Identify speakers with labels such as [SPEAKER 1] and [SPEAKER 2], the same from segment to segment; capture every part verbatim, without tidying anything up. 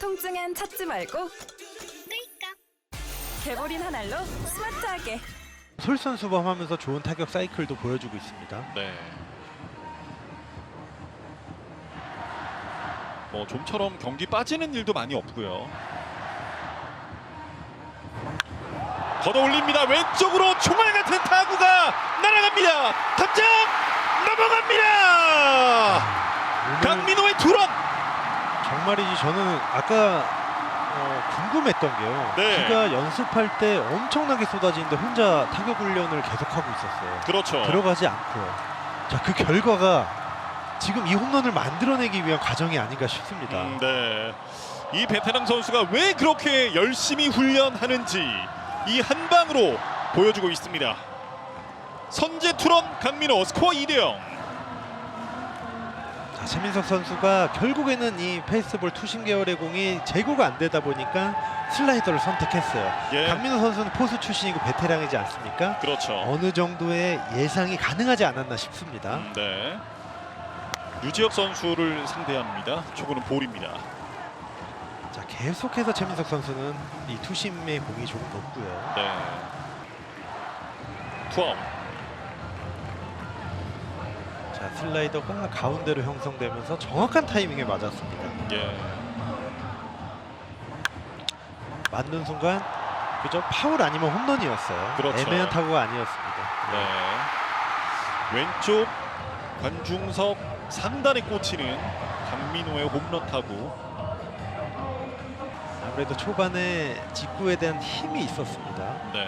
[SPEAKER 1] 통증엔 찾지 말고 끌까. 개보린 한 알로 스마트하게.
[SPEAKER 2] 솔선수범하면서 좋은 타격 사이클도 보여주고 있습니다.
[SPEAKER 3] 네. 뭐 좀처럼 경기 빠지는 일도 많이 없고요. 걷어 올립니다. 왼쪽으로 총알 같은 타구가 날아갑니다. 탑장 넘어갑니다. 강민호의 투런.
[SPEAKER 2] 정말이지 저는 아까 어, 궁금했던 게요.
[SPEAKER 3] 네.
[SPEAKER 2] 비가 연습할 때 엄청나게 쏟아지는데 혼자 타격 훈련을 계속하고 있었어요.
[SPEAKER 3] 그렇죠.
[SPEAKER 2] 들어가지 않고요. 자, 그 결과가 지금 이 홈런을 만들어내기 위한 과정이 아닌가 싶습니다.
[SPEAKER 3] 음, 네. 이 베테랑 선수가 왜 그렇게 열심히 훈련하는지 이 한 방으로 보여주고 있습니다. 선제 투런 강민호 스코어 이 대 영.
[SPEAKER 2] 자, 최민석 선수가 결국에는 이 페이스볼 투심 계열의 공이 제고가 안 되다 보니까 슬라이더를 선택했어요.
[SPEAKER 3] 예.
[SPEAKER 2] 강민호 선수는 포수 출신이고 베테랑이지 않습니까?
[SPEAKER 3] 그렇죠.
[SPEAKER 2] 어느 정도의 예상이 가능하지 않았나 싶습니다.
[SPEAKER 3] 음, 네. 유지혁 선수를 상대합니다. 초구는 볼입니다.
[SPEAKER 2] 자, 계속해서 최민석 선수는 이 투심의 공이 조금 높고요.
[SPEAKER 3] 네. 투아웃.
[SPEAKER 2] 자, 슬라이더가 가운데로 형성되면서 정확한 타이밍에 맞았습니다.
[SPEAKER 3] 예.
[SPEAKER 2] 맞는 순간 그저 파울 아니면 홈런이었어요.
[SPEAKER 3] 그렇죠.
[SPEAKER 2] 애매한 타구가 아니었습니다.
[SPEAKER 3] 네. 왼쪽 관중석 상단에 꽂히는 강민호의 홈런 타구.
[SPEAKER 2] 아무래도 초반에 직구에 대한 힘이 있었습니다.
[SPEAKER 3] 네.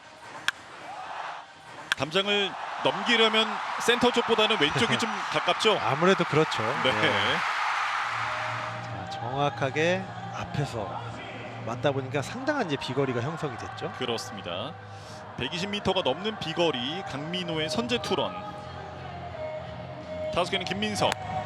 [SPEAKER 3] 담장을 넘기려면 센터 쪽보다는 왼쪽이 좀 가깝죠.
[SPEAKER 2] 아무래도 그렇죠.
[SPEAKER 3] 네.
[SPEAKER 2] 자, 정확하게 앞에서 맞다 보니까 상당한 이제 비거리가 형성이 됐죠.
[SPEAKER 3] 그렇습니다. 백이십 미터가 넘는 비거리 강민호의 선제 투런. 타석에는 김민석.